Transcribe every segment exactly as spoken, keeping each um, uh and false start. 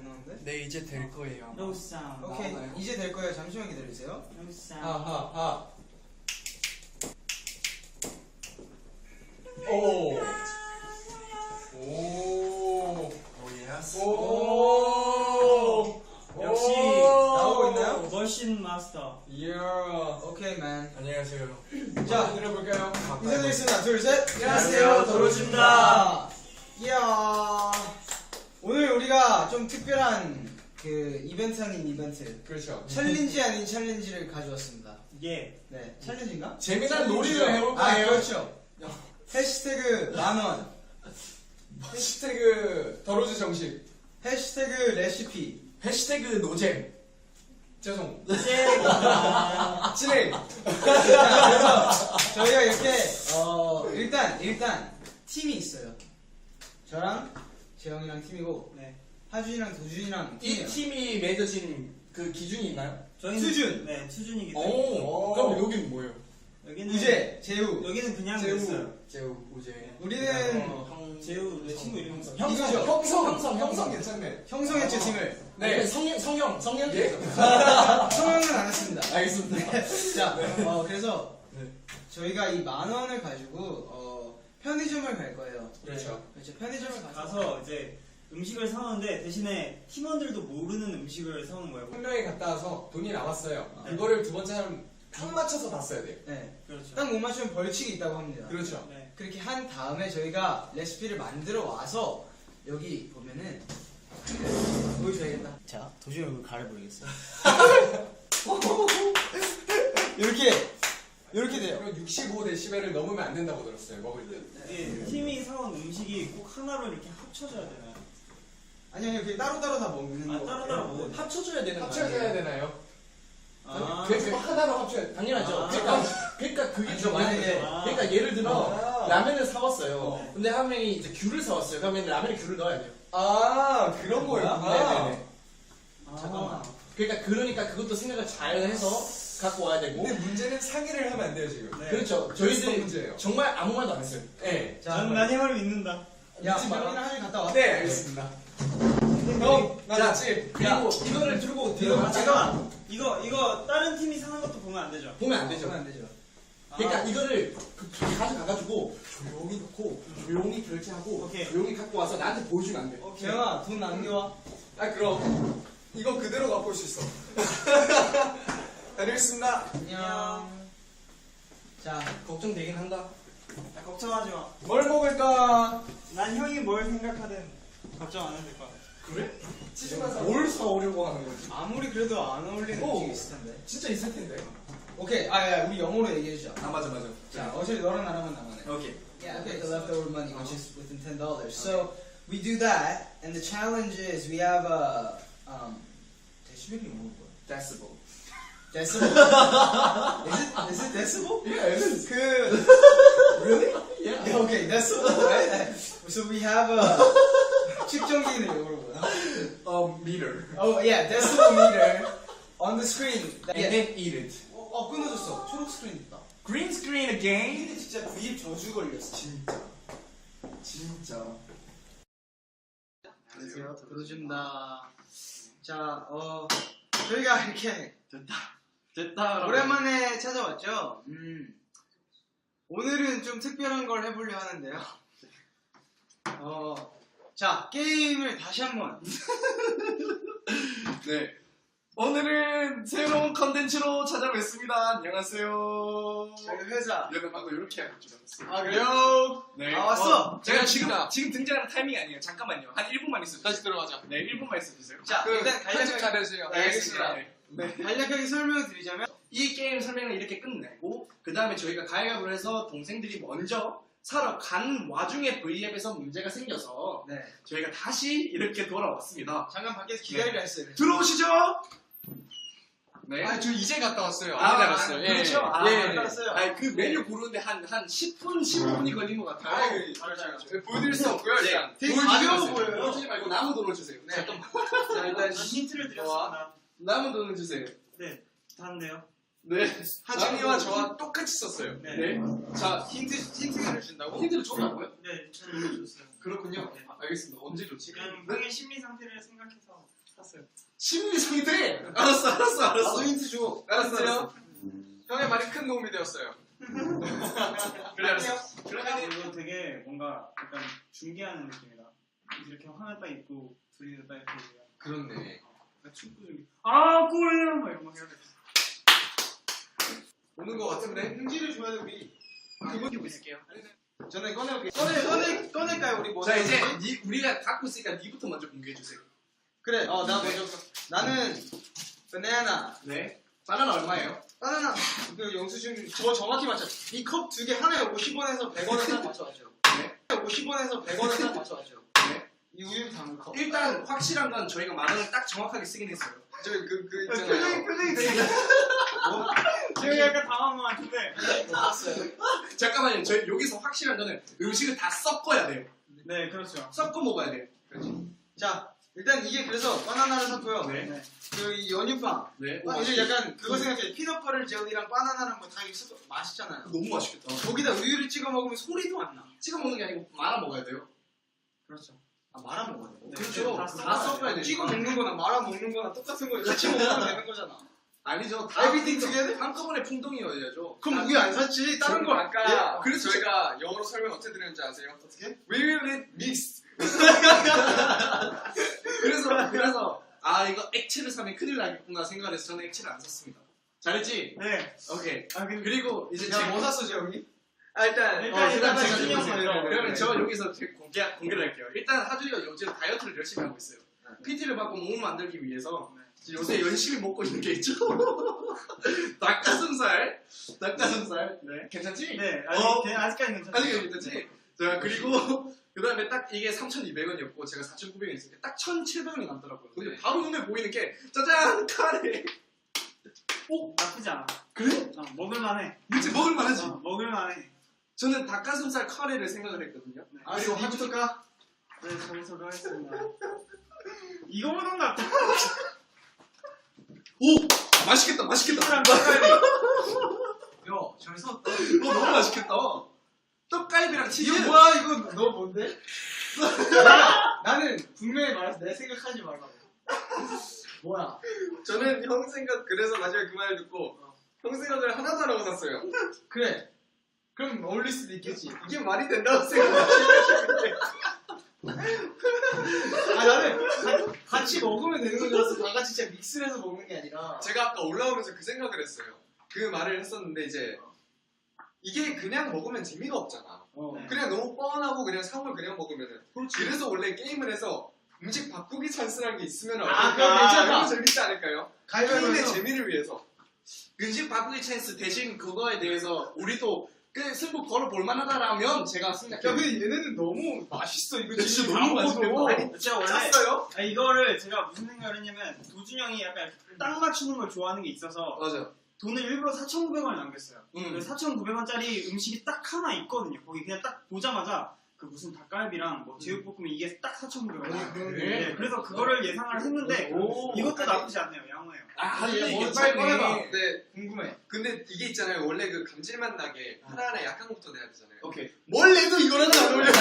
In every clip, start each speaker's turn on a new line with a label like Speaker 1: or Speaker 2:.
Speaker 1: 나오는데?
Speaker 2: 네, 이제 될 거예요.
Speaker 3: No sound.
Speaker 1: 오케이,
Speaker 2: 나오나요?
Speaker 1: 이제 될 거예요. 잠시만 기다리세요.
Speaker 3: No sound.
Speaker 2: 하하하. 오. 오. 오 예스. 오.
Speaker 3: 역시
Speaker 1: 나오고 있나요?
Speaker 3: 머신 마스터.
Speaker 2: 이야.
Speaker 1: 오케이, 맨.
Speaker 2: 안녕하세요.
Speaker 1: 자,
Speaker 2: 들어볼까요?
Speaker 1: 인사드리겠습니다. 둘, 셋.
Speaker 3: 안녕하세요, 도로즈입니다.
Speaker 1: 이야. 오늘 우리가 좀 특별한 그 이벤트 아닌 이벤트.
Speaker 2: 그렇죠.
Speaker 1: 챌린지 아닌 챌린지를 가져왔습니다.
Speaker 3: 예.
Speaker 1: 네, 챌린지인가?
Speaker 2: 재미난 놀이를 해볼까요?
Speaker 1: 아, 그렇죠. 해시태그 만원,
Speaker 2: 해시태그 더로즈 정식.
Speaker 1: 해시태그 레시피,
Speaker 2: 해시태그 노잼. 죄송.
Speaker 3: 예.
Speaker 2: 진행.
Speaker 1: 그래서 저희가 이렇게 어 일단 일단 팀이 있어요. 저랑 재영이랑 팀이고
Speaker 3: 네.
Speaker 1: 하준이랑 도준이랑
Speaker 2: 이
Speaker 1: 팀이에요.
Speaker 2: 팀이 맺어진 그 기준이 있나요?
Speaker 3: 저희는
Speaker 1: 수준.
Speaker 3: 네, 수준이기 때문에.
Speaker 2: 오. 그럼 여기는 뭐예요?
Speaker 3: 여기는
Speaker 1: 우재, 재우.
Speaker 3: 여기는 그냥
Speaker 2: 재우,
Speaker 3: 됐어요.
Speaker 2: 재우, 우재.
Speaker 1: 우리는
Speaker 2: 어, 형,
Speaker 3: 재우 내 친구 이름 써.
Speaker 2: 형성,
Speaker 1: 이거죠.
Speaker 2: 형성, 형성, 형성 괜찮네.
Speaker 1: 형성했죠 팀을.
Speaker 2: 네, 성형, 성형, 성형. 예.
Speaker 1: 성형은 안 했습니다.
Speaker 2: 알겠습니다.
Speaker 1: 자, 어 그래서
Speaker 2: 네.
Speaker 1: 저희가 이 만 원을 가지고 어 편의점을 갈 거예요.
Speaker 2: 그렇죠.
Speaker 1: 그렇죠. 편의점을 가서
Speaker 3: 가서 이제 음식을 사오는데 대신에 팀원들도 모르는 음식을 사오는 거예요.
Speaker 2: 한 명이 갔다 와서 돈이 남았어요.
Speaker 3: 아.
Speaker 2: 그거를 두 번째 사람 딱 맞춰서 다 써야 돼요.
Speaker 1: 네.
Speaker 3: 그렇죠.
Speaker 1: 딱 못 맞추면 벌칙이 있다고 합니다.
Speaker 2: 그렇죠.
Speaker 3: 네.
Speaker 1: 그렇게 한 다음에 저희가 레시피를 만들어 와서 여기 보면은 보여줘야겠다. 자, 도저히 얼굴 가려버리겠어요. 이렇게 이렇게 돼요.
Speaker 2: 그리고 육십오 데시벨을 넘으면 안 된다고 들었어요. 먹을 때.
Speaker 3: 예, 팀이 사온 음식이 꼭 하나로 이렇게 합쳐져야 되나요?
Speaker 1: 아니 아니 그게 따로 따로 다 먹는
Speaker 3: 아,
Speaker 1: 거.
Speaker 3: 따로따로 먹어요?
Speaker 4: 합쳐줘야 되는 거
Speaker 2: 합쳐져야
Speaker 4: 아니에요?
Speaker 2: 되나요?
Speaker 3: 아,
Speaker 2: 그래서 하나로 합쳐야
Speaker 4: 당연하죠.
Speaker 3: 아.
Speaker 4: 그러니까, 그러니까 그게
Speaker 1: 아니죠,
Speaker 4: 중요한
Speaker 1: 만약에-
Speaker 4: 거죠.
Speaker 3: 아.
Speaker 4: 그러니까 예를 들어
Speaker 2: 아.
Speaker 4: 라면을 사왔어요.
Speaker 2: 어.
Speaker 4: 근데 한 명이 이제 귤을 사왔어요. 그러면 라면에 귤을 넣어야 돼요.
Speaker 2: 아 그런 거였구나.
Speaker 4: 네네네.
Speaker 3: 아.
Speaker 1: 잠깐만.
Speaker 4: 그러니까 그러니까 그것도 생각을 잘 해서 갖고 와야 되고.
Speaker 2: 근데 문제는 상의를 하면 안 돼요 지금.
Speaker 3: 네.
Speaker 4: 그렇죠.
Speaker 2: 그래서
Speaker 4: 저희들이
Speaker 2: 문제예요.
Speaker 4: 정말 아무 말도 안 했어요.
Speaker 2: 네.
Speaker 1: 자,
Speaker 3: 저는 난 힘을 믿는다.
Speaker 1: 야,
Speaker 4: 믿지 마라.
Speaker 1: 재영이랑 하준이 갔다 와.
Speaker 2: 네 알겠습니다. 형, 나
Speaker 4: 자,
Speaker 2: 같이.
Speaker 4: 그리고 이거를 들고
Speaker 1: 이거
Speaker 4: 들어가.
Speaker 3: 잠깐만. 이거 이거 다른 팀이 사는 것도 보면 안 되죠?
Speaker 4: 보면 안 되죠.
Speaker 1: 그러면 안 되죠.
Speaker 4: 그러니까
Speaker 3: 아.
Speaker 4: 이거를 그 가져가가지고 조용히 놓고 조용히 결제하고
Speaker 3: 오케이.
Speaker 4: 조용히 갖고 와서 나한테 보여주면 안 돼.
Speaker 3: 오케이.
Speaker 1: 재영아 돈 남겨와.
Speaker 2: 아 그럼 이거 그대로 맛볼 수 있어. 다녀오겠습니다.
Speaker 1: 안녕. 자,
Speaker 4: 걱정되긴 한다.
Speaker 3: 야, 걱정하지 마.
Speaker 2: 뭘 먹을까?
Speaker 3: 난 형이 뭘 생각하든 걱정 안 해도 될 거야.
Speaker 4: 그래?
Speaker 2: 치즈만 사.
Speaker 4: 뭘 사오려고 하는 거지?
Speaker 1: 아무리 그래도 안 어울리는
Speaker 2: 오.
Speaker 1: 음식이 있을 텐데.
Speaker 2: 진짜 있을 텐데.
Speaker 1: 오케이, 아, 야, 우리 영어로 얘기해 주자.
Speaker 2: 아 맞아 맞아.
Speaker 1: 자, 어차피 너랑 나랑만 남았네.
Speaker 2: 오케이.
Speaker 1: Yeah, okay, the leftover money, which is within ten dollars. So we do that, and the challenge is we have a um. 데시벨이 뭐야?
Speaker 2: 데시벨.
Speaker 1: Decibel? is it is it decibel?
Speaker 2: Yeah, it is.
Speaker 1: 그
Speaker 2: Really?
Speaker 4: Yeah.
Speaker 1: yeah, okay, decibel, right? So we have a 측정기는 영어로 뭐야?
Speaker 2: Um, meter.
Speaker 1: Oh yeah, decibel meter on the screen.
Speaker 2: And
Speaker 1: Yeah.
Speaker 2: then eat it.
Speaker 1: 어, 어 끊어졌어. 초록 스크린 있다.
Speaker 2: Green screen again.
Speaker 1: 근데 진짜 구입 저주 걸렸어.
Speaker 2: 진짜. 진짜.
Speaker 1: 안녕하세요. 들어준다. 자, 어 저희가 이렇게
Speaker 4: 됐다. 됐다.
Speaker 1: 오랜만에 찾아왔죠. 음, 오늘은 좀 특별한 걸 해보려 하는데요. 어, 자 게임을 다시 한번.
Speaker 2: 네. 오늘은 새로운 컨텐츠로 찾아뵙습니다. 안녕하세요.
Speaker 1: 저희 회사.
Speaker 2: 여러분 방금 이렇게 할 줄 알았어요.
Speaker 1: 아 그래요?
Speaker 2: 네.
Speaker 1: 아 왔어.
Speaker 2: 제가 지금 지금 등장하는 타이밍이 아니에요. 잠깐만요. 한 일 분만 있어주세요.
Speaker 4: 다시 들어가자.
Speaker 2: 네, 일 분만 있어주세요.
Speaker 1: 자
Speaker 2: 그
Speaker 1: 일단
Speaker 2: 편집
Speaker 1: 간략하게,
Speaker 2: 잘해주세요.
Speaker 1: 네, 알겠습니다.
Speaker 2: 네. 네.
Speaker 1: 간략하게 설명을 드리자면
Speaker 4: 이 게임 설명을 이렇게 끝내고 그 다음에 저희가 가위바위보를 해서 동생들이 먼저 사러 간 와중에 V앱에서 문제가 생겨서
Speaker 1: 네
Speaker 4: 저희가 다시 이렇게 돌아왔습니다.
Speaker 1: 잠깐 밖에서 기다리라 했어요.
Speaker 4: 들어오시죠.
Speaker 2: 네.
Speaker 5: 아, 저 이제 갔다 왔어요.
Speaker 4: 아,
Speaker 5: 안 기다렸어요.
Speaker 4: 아,
Speaker 5: 예,
Speaker 4: 그렇죠.
Speaker 5: 예.
Speaker 4: 아,
Speaker 5: 예.
Speaker 1: 갔다 왔어요.
Speaker 4: 아니, 그 메뉴 고르는데 한, 한 십 분, 십오 분이 걸린 것 같아요.
Speaker 2: 아, 그, 보여드릴 수 없고요, 일단.
Speaker 1: 되게
Speaker 2: 보여주지
Speaker 1: 가벼워
Speaker 2: 마세요.
Speaker 1: 보여요.
Speaker 4: 보여주지 말고 남은 돈을 주세요.
Speaker 1: 네.
Speaker 4: 잠깐만.
Speaker 1: 자 일단
Speaker 3: 난 힌트를 드렸습니다.
Speaker 4: 남은 돈을 주세요.
Speaker 3: 네, 다는데요.
Speaker 4: 네.
Speaker 2: 하준이와 저와 똑같이 썼어요.
Speaker 3: 네,
Speaker 4: 네. 자,
Speaker 1: 힌트 힌트를 준다고?
Speaker 4: 힌트를 줬다고요?
Speaker 3: 네, 저는 이거 줬어요.
Speaker 4: 그렇군요. 알겠습니다. 언제 줬지?
Speaker 3: 그냥 형의 심리 상태를 생각해서.
Speaker 2: 샀어요.
Speaker 4: 심리 상태. 알았어, 알았어, 알았어.
Speaker 1: 나도 힌트 줘.
Speaker 2: 알았어, 알았어. 형의 말이 큰 도움이 되었어요. 그래, 알았어. 그러면
Speaker 3: 이거 되게 뭔가 약간 중계하는 느낌이다. 이렇게 화면 딱 있고 둘이서 딱 이렇게 얘기하고.
Speaker 2: 그렇네.
Speaker 3: 약간 축구 중계. 아 골이야 막 이런 거 해야 돼.
Speaker 2: 오는 거 같은데?
Speaker 1: 흥지를 줘야 돼 우리.
Speaker 2: 그거 끼고 있을게요.
Speaker 1: 저는 꺼내볼게. 꺼내 꺼내 꺼낼까요 우리 뭐?
Speaker 2: 자 이제 니, 우리가 갖고 있으니까 니부터 먼저 공개해 주세요.
Speaker 1: 그래. 어 나 먼저. 나는 바나나.
Speaker 2: 네. 바나나 얼마예요?
Speaker 1: 바나나. 그 영수증 저 정확히 맞춰. 이 컵 두 개 하나에 오십 원에서 백 원에 딱 맞춰가죠.
Speaker 2: 네.
Speaker 1: 오십 원에서 백 원에 딱 맞춰가죠.
Speaker 2: 네.
Speaker 1: 이 우유 담은 컵.
Speaker 2: 일단 확실한 건 저희가 만 원을 딱 정확하게 쓰긴 했어요.
Speaker 1: 저그 그
Speaker 3: 표정이
Speaker 1: 있잖아요.
Speaker 3: 표정이 되게. 지금 약간 당황한 것 같은데.
Speaker 1: 나왔어요.
Speaker 2: 잠깐만요. 저희 여기서 확실한 거는 음식을 다 섞어야 돼요.
Speaker 3: 네 그렇죠.
Speaker 2: 섞어 먹어야 돼요.
Speaker 1: 자 일단 이게 그래서 바나나를 샀고요.
Speaker 2: 네.
Speaker 3: 네.
Speaker 1: 그 이 연유빵.
Speaker 2: 네.
Speaker 1: 아, 이제 약간 그거 생각해. 피넛버터 젤리랑 바나나랑 뭐 다 있어 맛있잖아요.
Speaker 2: 너무 맛있겠다.
Speaker 1: 거기다 우유를 찍어 먹으면 소리도 안 나.
Speaker 2: 찍어 먹는 게 아니고 말아 먹어야 돼요.
Speaker 3: 그렇죠.
Speaker 1: 아 말아 먹어야 돼.
Speaker 3: 네,
Speaker 2: 그렇죠.
Speaker 3: 다
Speaker 2: 다
Speaker 3: 섞어야
Speaker 2: 섞어야
Speaker 3: 돼요.
Speaker 2: 돼.
Speaker 1: 찍어 먹는 거나 말아 먹는 거나 똑같은 거예요. 같이 먹으면 되는 거잖아.
Speaker 2: 아니죠. 다
Speaker 1: Everything together?
Speaker 2: 한꺼번에 풍덩이여야죠.
Speaker 1: 그럼 우유 안 샀지? 다른 거
Speaker 5: 아까
Speaker 2: 예, 그래서
Speaker 5: 저희가 영어로 설명 어떻게 드렸는지 아세요?
Speaker 1: 어떻게?
Speaker 5: We will eat mix.
Speaker 2: 그래서 그래서 아 이거 액체를 사면 큰일 나겠구나 생각해서 저는 액체를 안 샀습니다. 잘했지?
Speaker 3: 네.
Speaker 2: 오케이.
Speaker 3: 아 근데
Speaker 2: 그리고 이제
Speaker 1: 야,
Speaker 2: 제
Speaker 1: 뭐 샀어, 재영이?
Speaker 5: 아 일단
Speaker 3: 일단
Speaker 2: 어,
Speaker 3: 일단
Speaker 2: 제가
Speaker 3: 제가
Speaker 2: 제가
Speaker 3: 신경
Speaker 2: 네,
Speaker 3: 써요.
Speaker 2: 그러면 저 여기서 제 공개 공개를 할게요. 일단 하준이가 요즘 다이어트를 열심히 하고 있어요. 피티를 받고 몸을 만들기 위해서 요새 열심히 먹고 있는 게 있죠. 닭가슴살, 닭가슴살.
Speaker 3: 네.
Speaker 2: 괜찮지?
Speaker 3: 네. 아직
Speaker 2: 어.
Speaker 3: 네, 아직까지 괜찮아요.
Speaker 2: 아직 괜찮지? 자 그리고 그 다음에 딱 이게 삼천이백 원이었고 제가 사천구백 원 있으니까 딱 천칠백 원이 남더라고요. 근데
Speaker 3: 네.
Speaker 2: 바로 눈에 보이는 게 짜잔 카레.
Speaker 3: 오 나쁘지 않아.
Speaker 2: 그래?
Speaker 3: 어, 먹을만해.
Speaker 2: 이제 먹을만하지?
Speaker 3: 어, 먹을만해.
Speaker 2: 저는 닭가슴살 카레를 생각을 했거든요.
Speaker 3: 네.
Speaker 1: 아, 그리고
Speaker 2: 하준이-
Speaker 1: 하부터까?
Speaker 3: 네 저부터도 하겠습니다. 이거 보던 것 같아.
Speaker 2: 오! 맛있겠다 맛있겠다.
Speaker 3: 이거랑 떡갈비.
Speaker 1: 야, 잘 샀다.
Speaker 2: 이거 너무 맛있겠다. 떡갈비랑 치즈.
Speaker 1: 이거 뭐야, 이거 너 뭔데? 나, 나는 분명히 말해서 내 생각하지 말라고. 뭐야?
Speaker 5: 저는 형 생각 그래서 마지막에 그 말을 듣고 형 생각을 하나도 안 하고 샀어요.
Speaker 1: 그래. 그럼 어울릴 수도 있겠지.
Speaker 5: 이게 말이 된다고 생각하시는데
Speaker 1: 아, 나는 가- 같이 먹으면 되는 건 줄 알았어. 다 같이 진짜 믹스를 해서 먹는 게 아니라.
Speaker 5: 제가 아까 올라오면서 그 생각을 했어요. 그 말을 했었는데 이제 이게 그냥 먹으면 재미가 없잖아.
Speaker 1: 어.
Speaker 3: 네.
Speaker 5: 그냥 너무 뻔하고 그냥 상을 그냥 먹으면은. 그래서 원래 게임을 해서 음식 바꾸기 찬스라는 게 있으면
Speaker 1: 아, 그건 괜찮다.
Speaker 5: 너무 재밌지 않을까요? 게임의
Speaker 1: 가위바위보에서
Speaker 5: 재미를 위해서.
Speaker 2: 음식 바꾸기 찬스 대신 그거에 대해서 우리도 그 승부 걸어볼 만하다라면 제가
Speaker 1: 야,
Speaker 2: 생각해요.
Speaker 1: 근데 얘네는 너무 맛있어. 이거
Speaker 2: 진짜
Speaker 1: 지금
Speaker 2: 너무
Speaker 1: 다 먹어도.
Speaker 2: 맛있겠다.
Speaker 3: 아니 제가 원래
Speaker 5: 짰어요?
Speaker 3: 아, 이거를 제가 무슨 생각을 했냐면 도준 형이 약간 딱 맞추는 걸 좋아하는 게 있어서
Speaker 2: 맞아.
Speaker 3: 돈을 일부러 사천구백 원을 남겼어요.
Speaker 2: 음.
Speaker 3: 사천구백 원짜리 음식이 딱 하나 있거든요. 거기 그냥 딱 보자마자 그 무슨 닭갈비랑 뭐 제육볶음이 이게 딱 사천구백 원.
Speaker 1: 아, 그러네.
Speaker 3: 네, 그래서 그거를 예상을 했는데
Speaker 1: 오.
Speaker 3: 이것도 나쁘지 않네요. 양호해요.
Speaker 2: 아,
Speaker 1: 아니,
Speaker 2: 근데
Speaker 1: 뭐
Speaker 2: 이게
Speaker 1: 빨리
Speaker 2: 참-
Speaker 1: 꺼내봐.
Speaker 5: 근데
Speaker 1: 궁금해.
Speaker 5: 근데 이게 있잖아요. 원래 그 감질맛 나게 하나하나 약한 것부터 내야 되잖아요.
Speaker 2: 오케이.
Speaker 5: 뭘 내도 이거랑 안 어울려.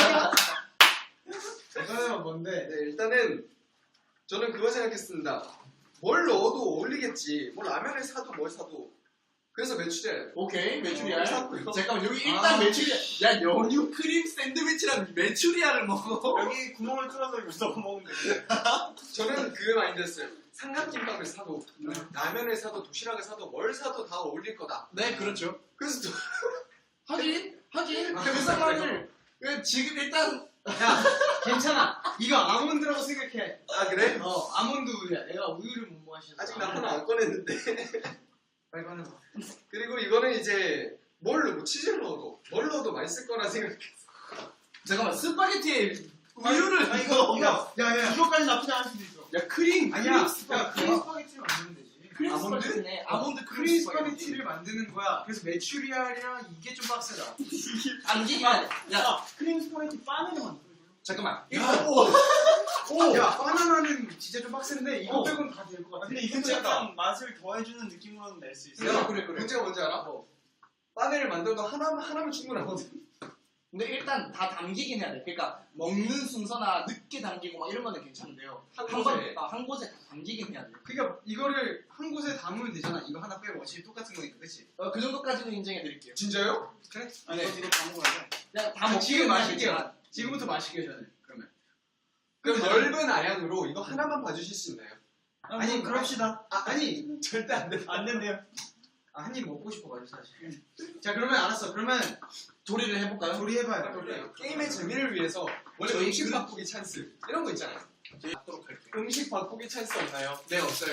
Speaker 1: 이거는 뭔데?
Speaker 5: 네, 일단은 저는 그거 생각했습니다. 뭘 넣어도 어울리겠지. 뭐 라면을 사도 뭘 사도. 그래서 매출이에요.
Speaker 2: 오케이. 메추리알.
Speaker 5: 어, 샀고요.
Speaker 2: 잠깐만 여기 일단
Speaker 1: 아.
Speaker 2: 메추리알. 야 연유 크림 샌드위치랑 메추리알을 먹어.
Speaker 3: 여기 구멍을 뚫어서 이거 넣어 먹으면 돼.
Speaker 5: 저는 그 마인드였어요. 삼각김밥을 사도 라면을 사도 도시락을 사도 뭘 사도 다 어울릴 거다.
Speaker 2: 네 그렇죠.
Speaker 5: 그래서 저-
Speaker 2: 하긴 하긴 그 상황을 그 지금 일단
Speaker 1: 야, 괜찮아. 이거 아몬드라고 생각해.
Speaker 5: 아 그래?
Speaker 1: 어, 아몬드 우유야. 내가 우유를 못 마셔서.
Speaker 5: 아직 나 하나 안 꺼냈는데.
Speaker 1: 빨리 꺼내봐.
Speaker 5: 그리고 이거는 이제 뭘 넣고 치즈를 넣어도 뭘 넣어도 맛있을 거라 생각했어.
Speaker 2: 잠깐만 스파게티에 우유를
Speaker 1: 아, 이거, 이거. 야, 야.
Speaker 3: 이거까지 나쁘지 않을 수도 있어.
Speaker 2: 야 크림
Speaker 1: 아니야.
Speaker 2: 크림
Speaker 1: 야,
Speaker 2: 스파게티.
Speaker 1: 크림 스파게티를 만들면 되지.
Speaker 2: 크림
Speaker 1: 아몬드?
Speaker 2: 스파게티네. 아몬드 크림
Speaker 1: 크림
Speaker 2: 스파게티.
Speaker 1: 스파게티를 만드는 거야. 그래서 메추리알이랑 이게 좀 빡세다.
Speaker 2: 안기기만. 야
Speaker 3: 야, 크림 스파게티 바늘을 만들어.
Speaker 2: 잠깐만.
Speaker 1: 야.
Speaker 2: 이거 오. 오.
Speaker 1: 야, 바나나는 진짜 좀 빡센데 이거
Speaker 2: 어.
Speaker 1: 빼고는 다 될 것 같아.
Speaker 3: 근데 이것도
Speaker 1: 괜찮다.
Speaker 3: 약간 맛을 더해주는 느낌으로는 낼 수 있어.
Speaker 2: 야, 그래, 그래.
Speaker 5: 문제가 뭔지 알아?
Speaker 1: 어.
Speaker 5: 바늘을 만들어도 하나, 하나면 충분하거든.
Speaker 4: 근데 일단 다 담기긴 해야 돼. 그러니까 먹는 순서나 늦게 담기고 막 이런 거는 괜찮은데요.
Speaker 5: 한
Speaker 4: 한,
Speaker 5: 곳에.
Speaker 4: 번, 아, 한 곳에 다 담기긴 해야 돼.
Speaker 1: 그러니까 이거를 한 곳에 담으면 되잖아. 이거 하나 빼고 어차피 똑같은 거니까, 그치?
Speaker 4: 어, 그 정도까지는 인정해 드릴게요.
Speaker 5: 진짜요?
Speaker 1: 그래?
Speaker 3: 아니
Speaker 4: 네.
Speaker 3: 이거 이거 다 먹어야 돼.
Speaker 4: 그냥 다
Speaker 1: 아,
Speaker 4: 먹기는
Speaker 1: 지금
Speaker 4: 맛있겠지만.
Speaker 1: 마실게요. 지금부터 마시게요, 저는. 그러면.
Speaker 5: 그럼 넓은 아량으로 이거 하나만 봐주실 수 있나요?
Speaker 1: 아니, 그럽시다. 아, 아니,
Speaker 5: 절대 안 돼.
Speaker 3: 안 된대요.
Speaker 1: 아, 한 입 먹고 싶어가지고, 사실. 자, 그러면 알았어. 그러면
Speaker 4: 조리를 해볼까요?
Speaker 1: 조리해봐요.
Speaker 5: 게임의 재미를 위해서 원래
Speaker 4: 저희
Speaker 5: 음식
Speaker 4: 그-
Speaker 5: 바꾸기 찬스 이런 거 있잖아요.
Speaker 4: 저희 하도록 할게요.
Speaker 5: 음식 바꾸기 찬스 없나요?
Speaker 4: 네, 없어요.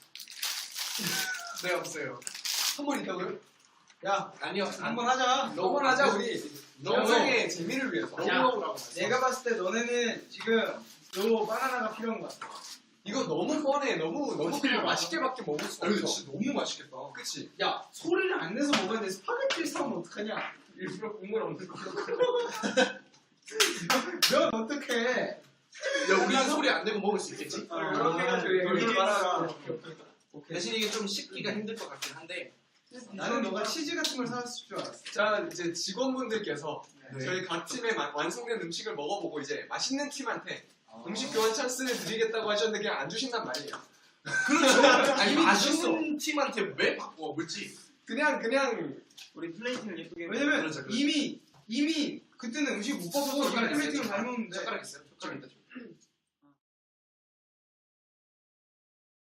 Speaker 4: 네, 없어요.
Speaker 5: 한 번 있다고요?
Speaker 1: 야,
Speaker 4: 아니요,
Speaker 1: 한번 하자.
Speaker 5: 너무 하자 우리 영상의 재미를 위해서.
Speaker 4: 너무
Speaker 1: 야,
Speaker 4: 먹으라고.
Speaker 1: 내가 봤을 때 너네는 지금 요 바나나가 필요한 것 같아.
Speaker 5: 이거 너무 뻔해. 너무 너무
Speaker 4: 어떻게
Speaker 5: 그냥
Speaker 4: 알아?
Speaker 5: 맛있게밖에 먹을 수
Speaker 4: 아, 근데
Speaker 5: 없어.
Speaker 4: 진짜 너무 맛있겠다.
Speaker 5: 그치?
Speaker 1: 야, 소리를 안 내서 먹어야 돼. 스파게티를 사오면 어떡하냐?
Speaker 5: 일부러 국물 없는 거.
Speaker 1: 면 어떡해?
Speaker 4: 야, 우리는 소리 안 내고 먹을 수 있겠지?
Speaker 3: 아,
Speaker 5: 이렇게 해가지고
Speaker 3: 아,
Speaker 5: 이걸 말하라.
Speaker 1: 오케이.
Speaker 4: 대신 이게 좀 씹기가 힘들 것 같긴 한데.
Speaker 1: 나는 너가 치즈 같은 걸 사왔을 줄 알았어.
Speaker 5: 자 이제 직원분들께서
Speaker 4: 네.
Speaker 5: 저희 각 팀의 마- 완성된 음식을 먹어보고 이제 맛있는 팀한테 음식 교환 찬스를 드리겠다고 하셨는데 그냥 안 주신단 말이에요.
Speaker 4: 그렇죠. 아니,
Speaker 1: 이미
Speaker 4: 맛있는 팀한테 왜 바꿔? 물지?
Speaker 5: 그냥 그냥
Speaker 3: 우리 플레이팅을 예쁘게.
Speaker 1: 왜냐면
Speaker 4: 그렇죠, 그렇죠.
Speaker 1: 이미 이미 그때는 음식 못 봐서 그냥 플레이팅을 잘 먹는데.
Speaker 4: 젓가락 있어요? 젓가락 있다.